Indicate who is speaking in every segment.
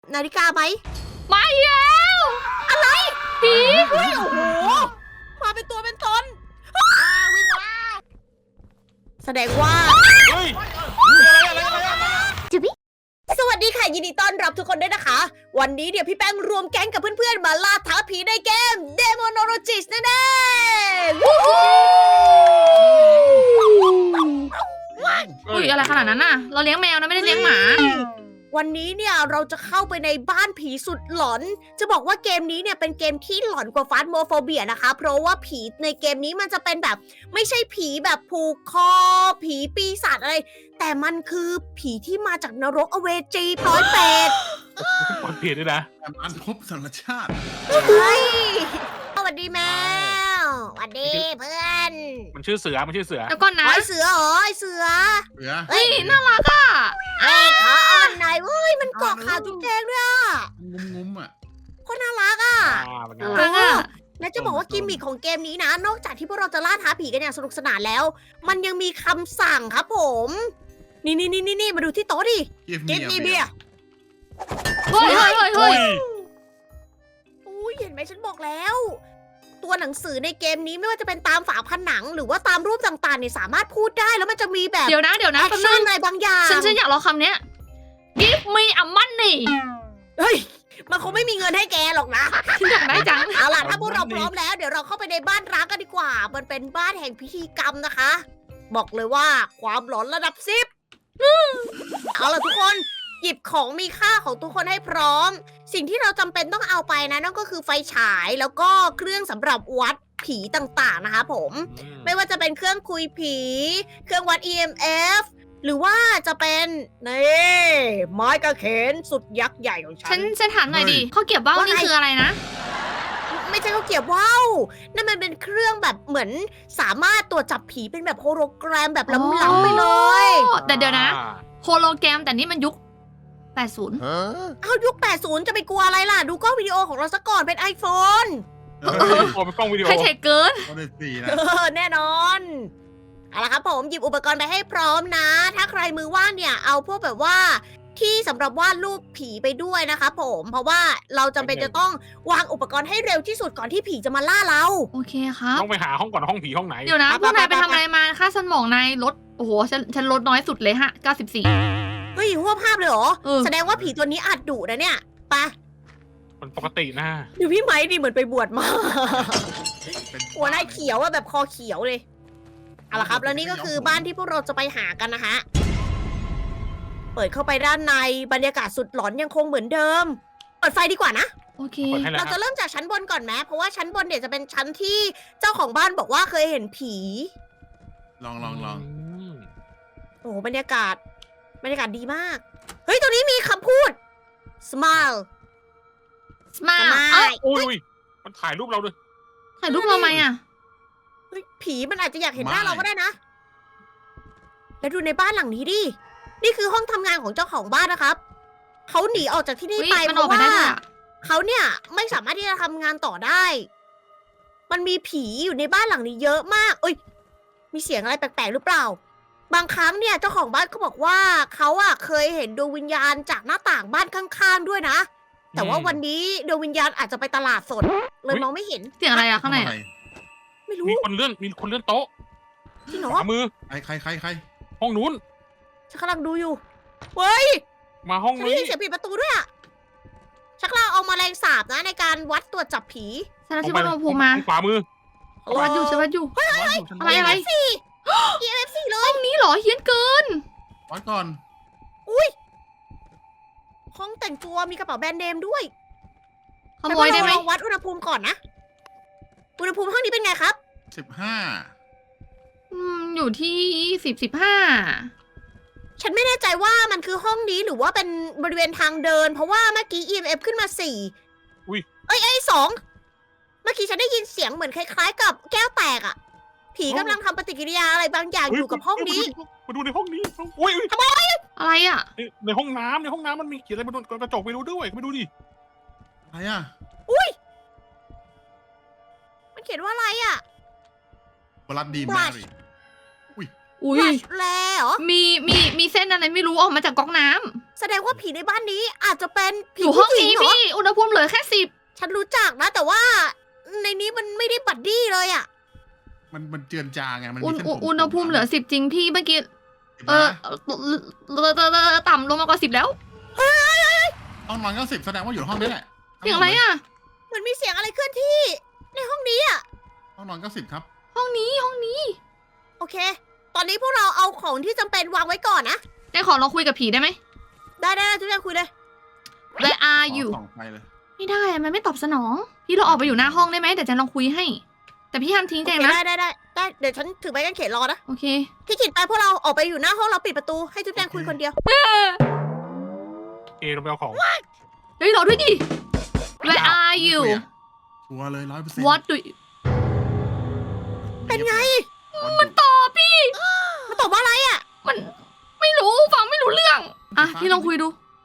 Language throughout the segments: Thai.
Speaker 1: นาฬิกาไหม
Speaker 2: มาอีกแล้วอะไรผี
Speaker 1: เฮ้ยโอ้โหมาเป็นตัวเป็นตนวิ่งมาแสดงว่า
Speaker 3: เฮ้ยอะไร
Speaker 1: สวัสดีค่ะยินดีต้อนรับทุกคนด้วยนะคะ วันนี้เดี๋ยวพี่แป้งรวมแก๊งกับเพื่อนๆมาล่าท้าผีในเกม Demonologist นั่นเองวู้ฮู้
Speaker 2: อุ้ยอะไรขนาดนั้นน่ะ เราเลี้ยงแมวนะไม่ได้เลี้ยงหมา
Speaker 1: วันนี้เนี่ยเราจะเข้าไปในบ้านผีสุดหลอน จะบอกว่าเกมนี้เนี่ยเป็นเกมที่หลอนกว่าฟาสโมโฟเบียนะคะ เพราะว่าผีในเกมนี้มันจะเป็นแบบไม่ใช่ผีแบบผูกคอ ผีปีศาจอะไร แต่มันคือผีที่มาจากนรกอเวจีปลอยเปรต
Speaker 3: กดผิดด้วยนะ
Speaker 4: อันพบสารชาติ
Speaker 1: เฮ้ยสวัสดีแมวสวัสดีเพื่อน
Speaker 3: มันชื่อเสือ
Speaker 2: แล้วก็นะ
Speaker 1: ไอเสือเหรอไอเสือ
Speaker 4: เหลือ
Speaker 2: เฮ้ยน่ารักอ่ะ
Speaker 1: ไอ้ขาอ่อนหน่อยเว้ยมันเกาะขาจุ๊บแจงด้วยอ่ะ
Speaker 4: งุ้มอ่ะ
Speaker 1: โคตรน่ารักอ่ะ
Speaker 3: เป็นไง
Speaker 2: น่ารักอ่ะ
Speaker 1: และจะบอกว่ากิมมิคของเกมนี้นะ นอกจากที่พวกเราจะล่าท้าผีกันอย่างสนุกสนานแล้ว มันยังมีคำสั่งครับผม นี่มาดูที่โต๊ะดิ
Speaker 4: กิฟ
Speaker 1: กิ
Speaker 4: มี
Speaker 1: ฟมีเบียร์
Speaker 2: เฮ้ย
Speaker 3: อุ้ย
Speaker 1: อุ้ยเห็นไหมฉันบอกแล้ว ตัวหนังสือในเกมนี้ไม่ว่าจะเป็นตามฝาผนัง หรือว่าตามรูปต่างๆเนี่ยสามารถพูดได้แล้วมันจะมีแบบ
Speaker 2: เดี๋ยวนะ
Speaker 1: แอ
Speaker 2: แป๊
Speaker 1: ค
Speaker 2: บนึ
Speaker 1: ชั่น
Speaker 2: ง
Speaker 1: อะไรบางอย่าง
Speaker 2: ฉันอยากรอคำเนี้ย give me a money
Speaker 1: เฮ้ยมันคงไม่มีเงินให้แกหรอกนะ
Speaker 2: ฉันอยากได้จัง
Speaker 1: เอาล่ะถ้าพวกเราพร้อมแล้วเดี๋ยวเราเข้าไปในบ้านร้างกันดีกว่า มันเป็นบ้านแห่งพิธีกรรมนะคะ บอกเลยว่าความหลอนระดับ10เอาล่ะทุกคนหยิบของมีค่าของทุกคนให้พร้อม สิ่งที่เราจำเป็นต้องเอาไปนะนั่นก็คือไฟฉายแล้วก็เครื่องสำหรับวัดผีต่างๆนะคะผม ไม่ว่าจะเป็นเครื่องคุยผี เครื่องวัด EMF หรือว่าจะเป็นนี่ไม้กระเขนสุดยักษ์ใหญ่ของฉัน
Speaker 2: ฉันถามหน่อยดิเขาเก็บว่าวนี่คืออะไรนะ
Speaker 1: ไม่ใช่เขาวเกรียบว่าวนั่นมันเป็นเครื่องแบบเหมือนสามารถตรวจจับผีเป็นแบบโฮโลแกรมแบบล้ำๆไปเลย
Speaker 2: แต่เดี๋ยวนะ โฮโลแกรมแต่นี่มันยุค 80
Speaker 1: เอายุค 80 จะไปกลัวอะไรล่ะ ดูกล้องวิดีโอของเราซะก่อนเป็น iPhone
Speaker 3: โอ้เป็นกล้องวิดีโอ
Speaker 2: ไฮเทคเกิน
Speaker 4: ก็ได้สี่นะ
Speaker 1: แน่นอนเอาละครับผมหยิบอุปกรณ์ไปให้พร้อมนะ ถ้าใครมือว่างเนี่ยเอาพวกแบบว่าที่สำหรับวาดรูปผีไปด้วยนะคะผมเพราะว่าเราจำเป็นจะต้องวางอุปกรณ์ให้เร็วที่สุดก่อนที่ผีจะมาล่าเรา
Speaker 2: โอเคครับ
Speaker 3: ต้องไปหาห้องก่อนห้องผีห้องไหน
Speaker 2: เดี๋ยวนะพวกนายไปทำอะไรมาค่าสมองนายลด โอ้โห ฉันลดน้อยสุดเลยฮะ 94
Speaker 1: เฮ้ยหัวภาพเลยเหรอ
Speaker 2: เออ
Speaker 1: แสดงว่าผีตัวนี้อาจดุนะเนี่ยไป
Speaker 3: มันปกตินะ
Speaker 1: ดูพี่ไม้ดิเหมือนไปบวชมา
Speaker 4: เป็น
Speaker 1: หัวหน้าเขียวอะแบบคอเขียวเลยเอาละครับ แล้วนี่ก็คือบ้านที่พวกเราจะไปหากันนะฮะเปิดเข้าไปด้านในบรรยากาศสุดหลอนยังคงเหมือนเดิม เปิดไฟดีกว่านะ
Speaker 2: โอเค
Speaker 3: เปิดให้แล้ว
Speaker 1: เรา
Speaker 3: ค
Speaker 1: จะ
Speaker 3: รับ
Speaker 1: เริ่มจากชั้นบนก่อนไหมเพราะว่าชั้นบนเนี่ยจะเป็นชั้นที่เจ้าของบ้านบอกว่าเคยเห็นผี
Speaker 4: ลอง
Speaker 3: ม
Speaker 1: โอ้โหบรรยากาศดีมาก เฮ้ยตรงนี้มีคำพูด smile
Speaker 2: สมา
Speaker 1: smile
Speaker 2: เอ้ย
Speaker 3: อุ้ยมันถ่ายรูปเราด้วย
Speaker 2: ถ่ายรูปเราไหมอ่ะ
Speaker 1: เฮ้ยผีมันอาจจะอยากเห็นหน้าเราก็ได้นะ แล้วดูในบ้านหลังนี้ดิ นี่คือห้องทำงานของเจ้าของบ้านนะครับ เขาหนีออกจากที่นี่
Speaker 2: อุ๊ย
Speaker 1: ไป
Speaker 2: มัน
Speaker 1: เพ
Speaker 2: ออก
Speaker 1: ราะ
Speaker 2: ไป
Speaker 1: ว่า
Speaker 2: ได้ด้วยอะ
Speaker 1: เขาเนี่ยไม่สามารถที่จะทำงานต่อได้ มันมีผีอยู่ในบ้านหลังนี้เยอะมาก เอ้ย มีเสียงอะไรแปลกๆหรือเปล่า บางครั้งเนี่ยเจ้าของบ้านก็บอกว่าเขาอะเคยเห็นดวงวิญญาณจากหน้าต่างบ้านข้างๆด้วยนะ แต่ว่าวันนี้ดวงวิญญาณอาจจะไปตลาดสด เลยมองไม่เห็น
Speaker 2: เสียงอะไรอะ
Speaker 4: ๆ
Speaker 2: ข้างในอะ
Speaker 1: ไม่รู้
Speaker 3: มีคนเลื่อนโต๊ะ
Speaker 1: จริงเหร
Speaker 3: ข
Speaker 1: อ
Speaker 3: วามือ
Speaker 4: ใคร
Speaker 3: ห้องนู้น
Speaker 1: ฉันกำลังดูอยู่ เฮ้ย
Speaker 3: มาห้อง
Speaker 1: ฉันได้
Speaker 3: นี้
Speaker 1: ยินเสียงปิดประตูด้วยอะชักเราเอามาแรงสาบนะในการวัดตรวจจับผี
Speaker 2: ฉันเอาชิบะโนภูมิมา
Speaker 3: ขวามือ
Speaker 2: ฉันวัดอยู่ อะไร
Speaker 1: EMF4 EMF4 เลย
Speaker 2: นี่เหรอเฮี้ยนเกิน
Speaker 4: วัดก่อน
Speaker 1: ห้องแต่งตัวมีกระเป๋าแบรนด์เนมด้วย
Speaker 2: ขโมยได้ไหม
Speaker 1: แต่ว่าเราลองวัดอุณหภูมิก่อนนะ อุณหภูมิห้องนี้เป็นไงครับ
Speaker 4: 15
Speaker 2: อยู่ที่15
Speaker 1: ฉันไม่แน่ใจว่ามันคือห้องนี้หรือว่าเป็นบริเวณทางเดิน เพราะว่าเมื่อกี้ EMF ขึ้นมา4
Speaker 3: อุ๊ย
Speaker 1: เอ้ย2เมื่อกี้ฉันได้ยินเสียงเหมือนคล้ายๆ กับแก้วแตกอะผีกำลังทำปฏิกิริยาอะไรบางอย่างอยู่กับห้องนี้
Speaker 3: มาดูในห้องนี้อุ้ย
Speaker 2: อะไรอ่ะ
Speaker 3: ในห้องน้ำมันมีเขียนอะไรบนกระจกไปดูด้วยไปดูดิ
Speaker 4: อะไรอ่ะ
Speaker 1: มันเขียนว่าอะไรอะ
Speaker 4: บลัดดีแมรี่
Speaker 2: อุ้ย
Speaker 1: Brush แลเหรอ
Speaker 2: มีเส้นอะไรไม่รู้ออกมาจากก๊อกน้
Speaker 1: แสดงว่าผีในบ้านนี้อาจจะเป็น
Speaker 2: อ
Speaker 1: ผี
Speaker 2: ยู่ห้อ
Speaker 1: ผู้
Speaker 2: ง
Speaker 1: หญิง
Speaker 2: นี้
Speaker 1: เหรอ
Speaker 2: พี่ อุณหภูมิเหลือแค่10
Speaker 1: ฉันรู้จักนะ แต่ว่าในนี้มันไม่ได้บัดดี้เลยอะ
Speaker 4: มันเจือนจางไงมัน
Speaker 2: อุ
Speaker 4: มี
Speaker 2: ณ
Speaker 4: เส้นผม
Speaker 2: อุณหภูมิเหลือ10 จริงพี่เมื่อกี้
Speaker 4: เห็นไหม
Speaker 2: ต่ำลงมากว่า10แล้ว
Speaker 4: ห้องนอนก็10แสดงว่าอยู่ห้องนี้แหละ
Speaker 2: เสียงอะไรอ่ะ
Speaker 1: เหมือนมีเสียงอะไรเคลื่อนที่ ในห้องนี้อะ
Speaker 4: ห้องนอนก็10ครับ
Speaker 2: ห้องนี้ห้องนี้
Speaker 1: โอเค ตอนนี้พวกเราเอาของที่จำเป็นวางไว้ก่อนนะ
Speaker 2: แจงขอลองคุยกับผีได้ไหม
Speaker 1: ได้ทุกอย่างคุยเลย
Speaker 2: Where are you
Speaker 4: ส่องไฟเลย
Speaker 2: ไม่ได้อะมันไม่ตอบสนอง พี่เราออกไปอยู่หน้าห้องได้ไหมเดี๋ยวแจงลองคุยให้ แต่พี่ห้ามทิ้งแจงนะ
Speaker 1: ได้เดี๋ยวฉันถือไม้กางเขนรอนะ
Speaker 2: โอเค
Speaker 1: พี่กินไปพวกเราออกไปอยู่หน้าห้องเราปิดประตูให้จุ๊บแจงคุยคนเดียว
Speaker 3: เอเราไปเอาของ
Speaker 2: เฮ้ยรอด้วยดิ Where are you
Speaker 4: ชัวร์เลย100%
Speaker 2: What do you
Speaker 1: เป็นไง
Speaker 4: มัน
Speaker 2: ตอบพี่
Speaker 1: มันตอบว่าอะไรอ่ะ
Speaker 2: มันไม่รู้ฟังไม่รู้เรื่อง อ่ะพี่ลองคุยดู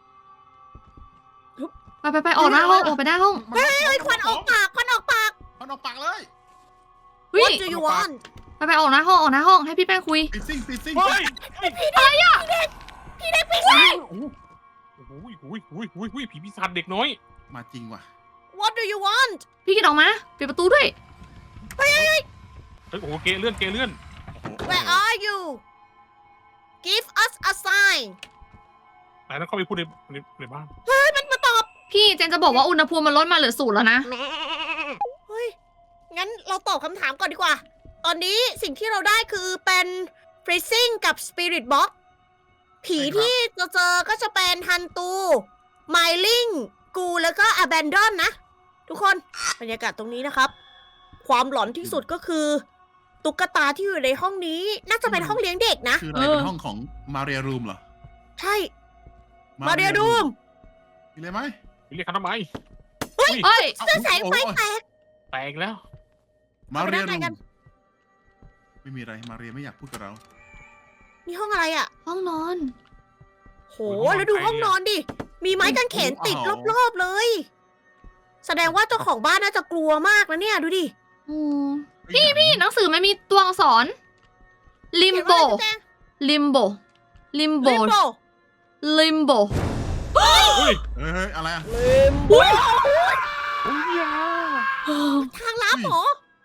Speaker 2: ไปออกหน้าห้องออกไปหน้าห้อง
Speaker 1: เฮ้ยควันออกปากควันออกปาก
Speaker 4: มันออกปากเลย
Speaker 2: เฮ้ย
Speaker 1: What do you want
Speaker 2: ไปออกหน้าห้องให้พี่แป้งคุย
Speaker 4: ปิดซิ่ง
Speaker 3: เฮ้ย
Speaker 2: อะไรอ่ะ
Speaker 1: พี่ได้ปีศาจ
Speaker 3: โอ้โหผีปีศาจเด็กน้อย
Speaker 4: มาจริงว่ะ
Speaker 1: What do you want
Speaker 2: พี่กินออกมาปิดประตูด้วย
Speaker 3: เฮ้ยโอ้โหเกเลื่อน
Speaker 1: Where are you Give us a sign
Speaker 3: ไหนต้องเข้าไปพูดในบ้าน
Speaker 1: มันมาตอบ
Speaker 2: พี่เจนจะบอกว่าอุณหภูมิมันลดมาเหลือ0แล้วนะ
Speaker 1: เฮ้ย งั้นเราตอบคำถามก่อนดีกว่า ตอนนี้สิ่งที่เราได้คือเป็น freezing กับ spirit box ผีที่เราเจอก็จะเป็นฮันตู ไมลิง กูแล้วก็ abandon นะ ทุกคน บรรยากาศตรงนี้นะครับ ความหลอนที่สุดก็คือ ตุ๊กตาที่อยู่ในห้องนี้ น่าจะเป็นห้องเลี้ยงเด็กนะ
Speaker 4: คืออะไรเป็นห้องของมาเรียรูมเหรอ
Speaker 1: ใช่ มาเรียดูม
Speaker 4: มีอะไรไหม
Speaker 3: เรียกเขาทำไม
Speaker 2: เฮ้ย
Speaker 1: เสื้อแสงไฟแตก
Speaker 3: แตกแล้ว
Speaker 4: มาเรีย
Speaker 1: เอาไป
Speaker 4: รู
Speaker 1: ด้านในกั
Speaker 4: ม
Speaker 1: น
Speaker 4: ไม่มีอะไรมาเรียไม่อยากพูดกับเรา
Speaker 1: นี่ห้องอะไรอ่ะ
Speaker 2: ห้องนอน
Speaker 1: โห แล้วดูห้องนอนดิ มีไม้กางเขนติดรอบๆเลย แสดงว่าเจ้าของบ้านน่าจะกลัวมากนะเนี่ย ดูดิ
Speaker 2: อืมพี่หนังสือมันมีตัวอักษร ลิมโบ ลิมโบ ลิมโบ
Speaker 1: ลิมโบ
Speaker 2: ลิมโบ
Speaker 3: เฮ้ย
Speaker 4: เฮ้ยอะไรอ่ะ
Speaker 1: ลิมโบ
Speaker 3: โอ้ยยา
Speaker 1: ทางลับเหรอ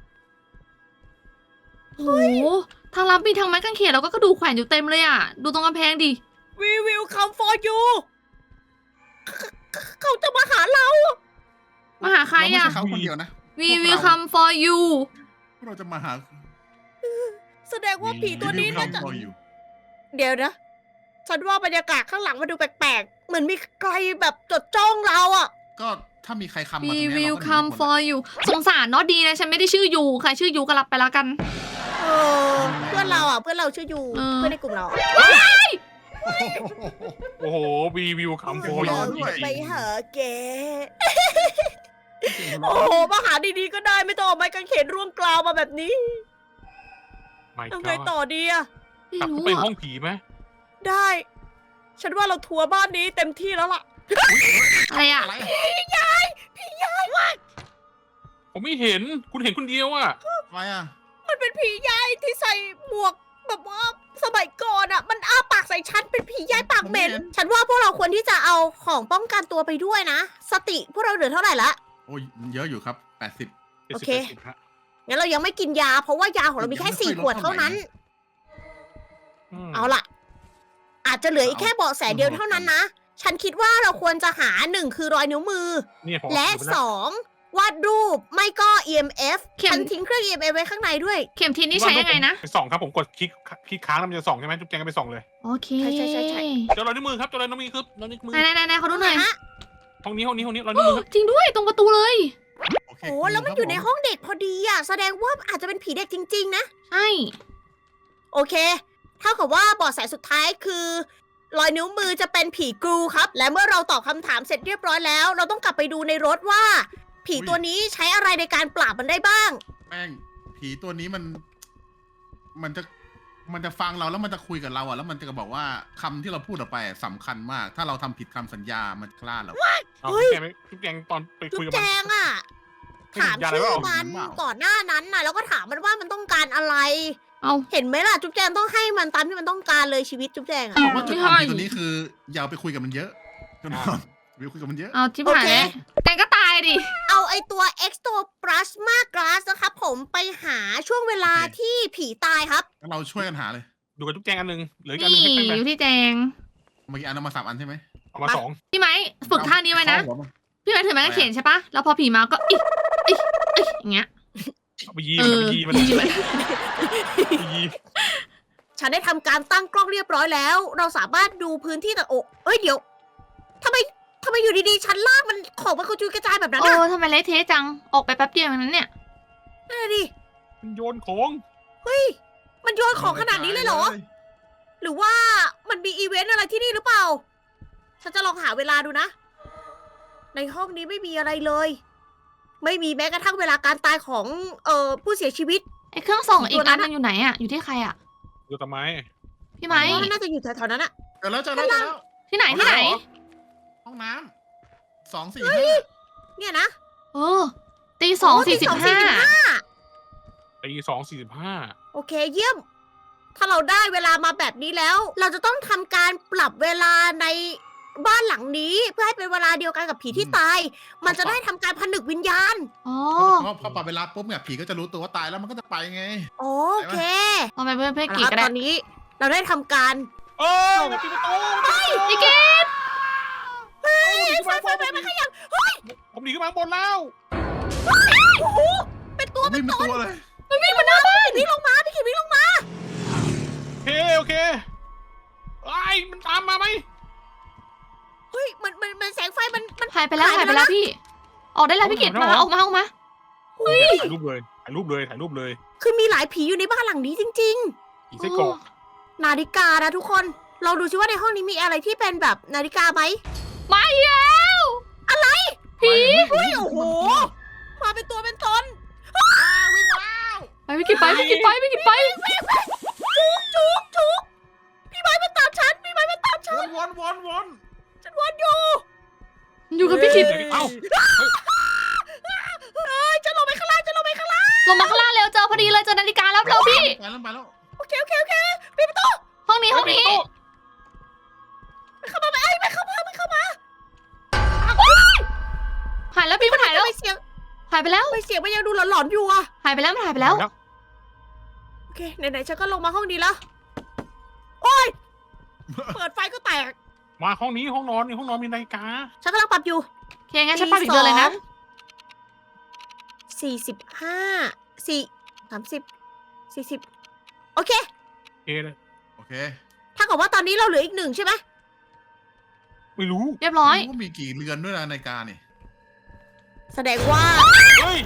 Speaker 2: โอ้โหทางลับมีทางไม้กางเขนแล้วก็กระดูกแขวนอยู่เต็มเลยอ่ะ ดูตรงกำแพงดิ
Speaker 1: We will come for you เขาจะมาหาเรา
Speaker 2: มาหาใคร
Speaker 4: เราไม่
Speaker 2: อ่ะ
Speaker 4: ใช่เขาคนเดียวนะ
Speaker 2: We will come for you
Speaker 4: พวกเราจะมาหา
Speaker 1: แสดงว่าผีตัวนี้น่าจะ
Speaker 4: รออยู่
Speaker 1: เดี๋ยวนะ ฉันว่าบรรยากาศข้างหลังมันดูแปลกๆ เหมือนมีใครแบบจดจ้องเราอ่ะ
Speaker 4: ก็ถ้ามีใครคำมาตรง
Speaker 2: We
Speaker 4: เนี้ย
Speaker 2: will
Speaker 4: เราก็หนี
Speaker 2: come
Speaker 4: ไม่พ้น
Speaker 2: for you สงสารเนาะดีนะฉันไม่ได้ชื่อยูใครชื่อยูก็รับไปแล้วกัน
Speaker 1: เออ เพื่อนเราอ่ะ เพื่อนเราชื่อยู
Speaker 2: เออ
Speaker 1: เพื่อนในกลุ่มเรา
Speaker 3: โอ้โหวีวิวคำโฟ
Speaker 4: โอ้
Speaker 3: ย
Speaker 4: โห
Speaker 3: จริง
Speaker 1: ไปหาแก โอ้โห มาหาดีๆก็ได้ไม่ต้องเอาไม้กางเขนร่วงกลาวมาแบบนี้
Speaker 3: ไม่
Speaker 1: ทำ
Speaker 3: ก็
Speaker 1: ไงต่อดีอะ
Speaker 2: ไม่
Speaker 3: กลับ
Speaker 2: รู้
Speaker 3: ไป
Speaker 2: อ่ะ
Speaker 3: ห้องผีไหม
Speaker 1: ได้ ฉันว่าเราทัวร์บ้านนี้เต็มที่แล้วล่ะ
Speaker 2: อะไรอ่ะ
Speaker 4: อะไร
Speaker 3: ผมไม่เห็นคุณเห็นคนเดียวอ่ะ
Speaker 4: อะไรอ่ะ
Speaker 1: มันเป็นผียายที่ใส่หมวกแบบว่าสมัยก่อนอะมันอ้าปากใส่ฉันเป็นผียายปากเหม็น ฉันว่าพวกเราควรที่จะเอาของป้องกันตัวไปด้วยนะ สติพวกเราเหลือเท่าไหร่ละ
Speaker 4: โอ้ยเยอะอยู่ครับ
Speaker 1: โอเค งั้นเรายังไม่กินยา เพราะว่ายาของเรามีแค่ 4 ขวดเท่านั้น เอาล่ะ อาจจะเหลืออีกแค่เบาะแสเดียวเท่านั้นนะ ฉันคิดว่าเราควรจะหา1คือรอยนิ้วมือ และ2วาดรูปไม่ก็ EMF ฉันทิ้งเครื่อง EMF ไว้ข้างในด้วย
Speaker 2: เข็มทิศนี่ใช้ยังไงนะ
Speaker 3: ไปส่องครับผมกดคลิกค้างแล้วมันจะส่องใช่ไหมจุ๊บแจงก็ไปส่องเลย
Speaker 2: โอเค
Speaker 1: ใช่
Speaker 3: เจอรอยนิ้วมือครับเจอรอยนิ้วมือครับรอยนิ้วมือ
Speaker 2: ไหนเขาดูหน่อย
Speaker 1: ฮะ
Speaker 3: ห้องนี้รอยนิ้วมือครับ
Speaker 2: จริงด้วยตรงประตูเลย
Speaker 4: โอเค
Speaker 1: โอ้แล้วมันอยู่ในห้องเด็กพอดีอ่ะ แสดงว่าอาจจะเป็นผีเด็กจริงๆนะ
Speaker 2: ใช่
Speaker 1: โอเค เท่ากับว่าเบาะแสสุดท้ายคือ รอยนิ้วมือจะเป็นผีกรูครับ และเมื่อเราตอบคำถามเสร็จเรียบร้อยแล้ว เราต้องกลับไปดูในรถว่า ผีตัวนี้ใช้อะไรในการปราบมันได้บ้าง
Speaker 4: แป้งผีตัวนี้มันจะฟังเราแล้วมันจะคุยกับเราอ่ะแล้วมันจะบอกว่าคำที่เราพูดออกไปสำคัญมาก ถ้าเราทำผิดคำสัญญามันกล้าเรา
Speaker 1: เฮ้ย
Speaker 3: จุ๊บแจงตอนไป
Speaker 1: จุ๊
Speaker 3: คุย
Speaker 1: บ
Speaker 3: กับ
Speaker 1: แจ
Speaker 3: มัน
Speaker 1: งอ่ะ
Speaker 3: ไม่
Speaker 1: ถาม
Speaker 3: เห็นยาอะไร
Speaker 1: ชื่อ
Speaker 3: เปล่า
Speaker 1: มัน
Speaker 4: เห็นเปล่า
Speaker 1: ก่อนหน้านั้นน่ะ แล้วก็ถามมันว่ามันต้องการอะไร
Speaker 2: เอา
Speaker 1: เห็นไหมล่ะจุ๊บแจงต้องให้มันตามที่มันต้องการเลยชีวิตจุ๊บแจงอะ
Speaker 4: ผมว่าจุดอ่อนที่ตัวนี้คืออย่าไปคุยกับมันเยอะจนอนอย่าไปคุยกับมันเยอะ
Speaker 2: เอาชิบหายแล้วแตงก็ตายดิ
Speaker 1: เอาไอตัว Ectoplasma Glass นะครับผมไปหาช่วงเวลาที่ผีตายครับ
Speaker 4: งั้นเราช่วยกันหาเลย
Speaker 3: ดูกับจุ๊บแจงอันหนึ่งเหลืออีกอันห
Speaker 2: นี่
Speaker 3: นึ่งให้แป้ง
Speaker 2: อยู่ที่แจง
Speaker 4: เมื่อกี้อันเอามา3 อันใช่ไหม
Speaker 3: เอามา 2
Speaker 2: พี่ไม้ฝึกท่านี้ไว้นะ
Speaker 4: เข้าหัวมัน
Speaker 2: พี่ไม้ถือไม้กางเขนใช่ปะแล้วพอผีมาก็อิอย่างเงี้ย
Speaker 3: เอาไปยีมันเอาไปยีมัน
Speaker 2: ยีมัน
Speaker 3: ไปยี
Speaker 1: ฉันได้ทำการตั้งกล้องเรียบร้อยแล้ว เราสามารถดูพื้นที่แต่โอ้ยเดี๋ยวทำไมอยู่ดีๆชั้นล่างมันของมันกระจุยกระจายแบบนั้น
Speaker 2: โอ้
Speaker 1: อะ
Speaker 2: ทำไมเละเทะจัง ออกไปแป๊บเดียวอย่างนั้นเนี่ย
Speaker 1: นั่นนะดิ
Speaker 3: มันโยนของ
Speaker 1: เฮ้ยมันโยนของขนาดนี้เลยเหรอ หรือว่ามันมีอีเวนต์อะไรที่นี่หรือเปล่า ฉันจะลองหาเวลาดูนะ ในห้องนี้ไม่มีอะไรเลย ไม่มีแม้กระทั่งเวลาการตายของผู้เสียชีวิต
Speaker 2: ไอ้เครื่องส่อง
Speaker 1: ของ
Speaker 2: อี
Speaker 1: ตั
Speaker 2: ก
Speaker 1: วนั้
Speaker 2: อัน
Speaker 1: น
Speaker 2: นึงอยู่ไหนอะอยู่ที่ใครอะ
Speaker 3: ดูทำไม
Speaker 2: พี่ไม้
Speaker 1: ว่าน่าจะอยู่แถวๆนั้นอะ
Speaker 4: เจอแล้วเจอแล้ว
Speaker 2: ที่ไหนที่ไหน
Speaker 4: ห้องน้ำ2 4 5
Speaker 1: เนี่ยนะ
Speaker 2: เออตีสองสี่สิบห้า
Speaker 3: ตี2:45
Speaker 1: โอเคเยี่ยม ถ้าเราได้เวลามาแบบนี้แล้ว เราจะต้องทำการปรับเวลาในบ้านหลังนี้ เพื่อให้เป็นเวลาเดียวกันกับผีที่ตาย มันจะได้ทำการผนึกวิญญาณ
Speaker 2: อ๋อ
Speaker 4: พอปรับเวลาปุ๊บเนี่ยผีก็จะรู้ตัวว่าตายแล้วมันก็จะไปไง
Speaker 1: โอเค
Speaker 2: ลองไปเพื่อนเพื่อน
Speaker 1: เอา
Speaker 2: กี
Speaker 1: ละ
Speaker 2: ก็
Speaker 1: ต
Speaker 2: ได้
Speaker 1: อนนี้เราได้ทำการ
Speaker 3: เอ้ยมันปิดประตู
Speaker 2: พี่เกด
Speaker 1: ไฟมันขยับ
Speaker 3: ผมหนีขึ้นมาข้างบนแล้ว
Speaker 1: โอ้โหเป็นตัว
Speaker 4: ไม่มีตัวเลย
Speaker 1: มันวิ่งมาหน้าบ้านวิ่งลงมาพี่ขิดวิ่งลงมา
Speaker 3: โอเคไอ้ยมันตามมาไหม
Speaker 1: เฮ้ยมันแสงไฟมัน
Speaker 2: หายไปแล้วหายไปแล้วพี่ ออกได้แล้วพี่เกดมาออกมา
Speaker 1: อุ้ย
Speaker 3: ถ่ายรูปเลย
Speaker 1: คือมีหลายผีอยู่ในบ้านหลังนี้จริง
Speaker 3: อีไส้กรอก
Speaker 1: ๆ นาฬิกานะทุกคนลองดูซิว่าในห้องนี้มีอะไรที่เป็นแบบนาฬิกาไหม
Speaker 2: มาแล้ว
Speaker 1: ผี เฮ้ย โอ้โห มาเป็นตัวเป็นตน
Speaker 4: วิ่งแล้ว
Speaker 2: ไปพี่กิดไปพี่กิดไปพี่กิดไป
Speaker 1: จุกพี่ไม้มันตามฉัน พี่ไม้มันตามฉัน
Speaker 4: วน
Speaker 1: ฉันวนอยู่
Speaker 2: อยู่กับพี่กิด
Speaker 3: เอ้า
Speaker 1: เอ้ยจะลงไปข้างล่าง
Speaker 2: ลงมาข้างล่างเร็วเจอพอดีเลยเจอนาฬิกาแล้วเร็วพี่
Speaker 4: ไปแล้ว
Speaker 1: โอเคปิดประตู
Speaker 2: ห้องนี้
Speaker 1: ไม่เข้ามา
Speaker 2: หายแล้วพี่มันหายแล้ว
Speaker 1: ทำไมเสียง
Speaker 2: หายไปแล้ว
Speaker 1: ทำไมเสียงมันยังดูหลอนๆอยู่อะ
Speaker 2: หายไปแล้วมันหายไปแล้ว
Speaker 1: โอเค ไหนๆฉันก็ลงมาห้องนี้แล้ว โอ้ย เปิดไฟก็แตก
Speaker 3: มาห้องนี้ห้องนอนนี่ห้องนอนมีนาฬิกา
Speaker 1: ฉันกำลังปรับอยู่
Speaker 2: โอเคงั้นฉันปาอีกเดือนเลยนะ
Speaker 1: 40 โอเค
Speaker 3: โอเคเลย
Speaker 1: ถ้ากับว่าตอนนี้เราเหลืออีก 1ใช่ไหม
Speaker 3: ไม่รู้
Speaker 2: เรียบร้อย
Speaker 4: ว่ามีกี่เรือนด้วยนะนาฬิกานี่
Speaker 1: แสดงว่า
Speaker 3: เฮ้ย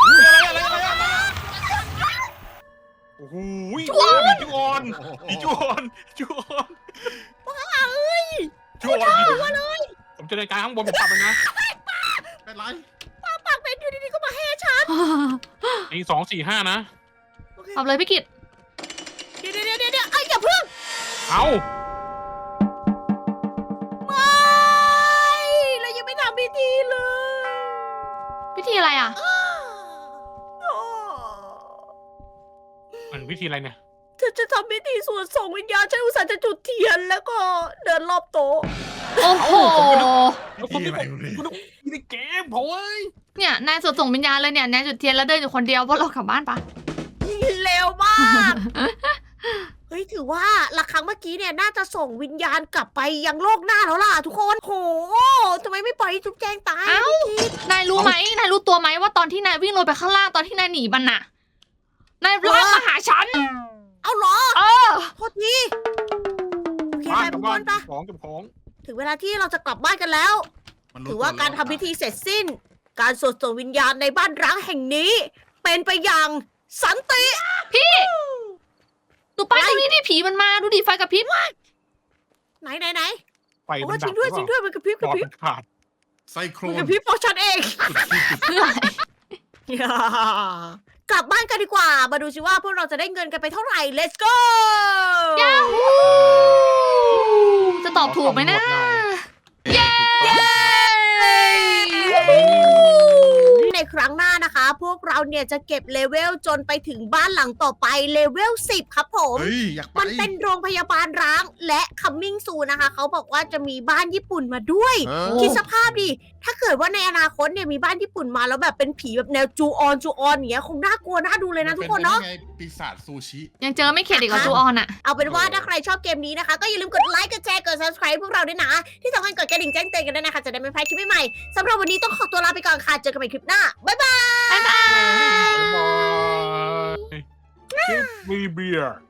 Speaker 3: โอ้โหผีจูออนผมเจอนาฬิกาข้างบนผมปรับเลยนะ
Speaker 4: เป็นไร
Speaker 1: ปากเป็นอยู่ดีๆก็มาแห่ฉัน
Speaker 3: ตี2:45นะ
Speaker 1: โอเค
Speaker 2: เอาเลยพี่กิด
Speaker 1: เดี๋ยวไอ้ยอย่าเพิ่ง
Speaker 3: เอ้า
Speaker 1: ไม่เรายังไม่ทำพิธีเลย
Speaker 2: พิธีอะไรอ่ะ
Speaker 1: โอ้
Speaker 3: มันวิธีอะไรเนี่ย
Speaker 1: เธอจะทำพิธีสวดส่งวิญญาณฉันอุตส่าห์จะจุดเทียนแล้วก็เดินรอบโต๊ะ
Speaker 2: โอ้โห
Speaker 4: พี่อะไรวะเนี่ย
Speaker 3: นี่ในเกมโอ้ย
Speaker 2: เนี่ยนายสวดส่งวิญญาณเลยเนี่ยนายจุดเทียนแล้วเดินอยู่คนเดียวพวกเรากลับบ้านปะ
Speaker 1: เร็วมาก เฮ้ยถือว่าละครั้งเมื่อกี้เนี่ยน่าจะส่งวิญญาณกลับไปยังโลกหน้าแล้วล่ะทุกคนโหทำไมไม่ปล่อยให้จุ๊บแจงตาย
Speaker 2: เอ้า
Speaker 1: ไม่คิด
Speaker 2: นายรู้ไหมนายรู้ตัวไหมว่าตอนที่นายวิ่งลงไปข้างล่างตอนที่นายหนีมันน่ะ นายลากมาหาฉัน
Speaker 1: เอาเหรอ
Speaker 2: เออ
Speaker 1: โทษทีโอเค
Speaker 3: บ้า
Speaker 1: ไป
Speaker 3: นกับ
Speaker 1: บุ
Speaker 3: บ้า
Speaker 1: ญ
Speaker 3: น
Speaker 1: ปะ
Speaker 3: เก็บของ
Speaker 1: ถึงเวลาที่เราจะกลับบ้านกันแล้ว
Speaker 4: มัน
Speaker 1: ถือว่าการทำพิธีเสร็จสิ้น การสวดส่งวิญญาณในบ้านร้างแห่งนี้ เป็นไปอย่างสันติ
Speaker 2: ดูป้ายตรงนี้ดิผีมันมาดูดิไฟกับพริบ
Speaker 1: ไหน
Speaker 3: ไฟ
Speaker 1: โอ้
Speaker 3: มัน
Speaker 1: จ
Speaker 3: ดั
Speaker 1: ริ
Speaker 3: บ
Speaker 1: งด้วยมันกระพริบ
Speaker 3: หลอดมันขาด
Speaker 4: ไซโคร
Speaker 1: มัน
Speaker 4: น
Speaker 1: กระพริบเพราะฉันเอง
Speaker 2: เพื่ออะไร
Speaker 1: กลับบ้านกันดีกว่า มาดูสิว่าพวกเราจะได้เงินกันไปเท่าไหร่ let's go
Speaker 2: ยาฮูจะตอบถูกไหมนะ
Speaker 1: ในครั้งหน้านะคะนะคะ พวกเราเนี่ยจะเก็บเลเวลจนไปถึงบ้านหลังต่อไปเลเวล10ครับผม
Speaker 4: เฮ้ยอยากไป
Speaker 1: มันเป็นโรงพยาบาลร้างและคัมมิ่งซูนะคะเขาบอกว่าจะมีบ้านญี่ปุ่นมาด้วย
Speaker 4: เออ
Speaker 1: คิดสภาพดิถ้าเกิดว่าในอนาคตเนี่ยมีบ้านญี่ปุ่นมาแล้วแบบเป็นผีแบบแนวจูออนอย่างเงี้ยคงน่ากลัวน่าดูเลยนะทุกคนเนาะ
Speaker 4: ป็ไงปีศาจซูชิ
Speaker 2: ยังเจอไม่เข็ดอีกกับจูออนอะ
Speaker 1: เอาเป็นว่าถ้าใครชอบเกมนี้นะคะ ก็อย่าลืมกดไลค์กดแชร์กด subscribe พวกเราด้วยนะ ที่สำคัญกดกระดิ่งแจ้งเตือนกันด้วยนะคะจะได้ไม่พลาดคลิปใหม่ๆสำหรับวันนี้ต้องขอตัวลาไปก่อนค่ะเจอกันใหม่คลิปหน้าบ๊ายบาย
Speaker 2: บ๊ายบาย
Speaker 3: Give me beer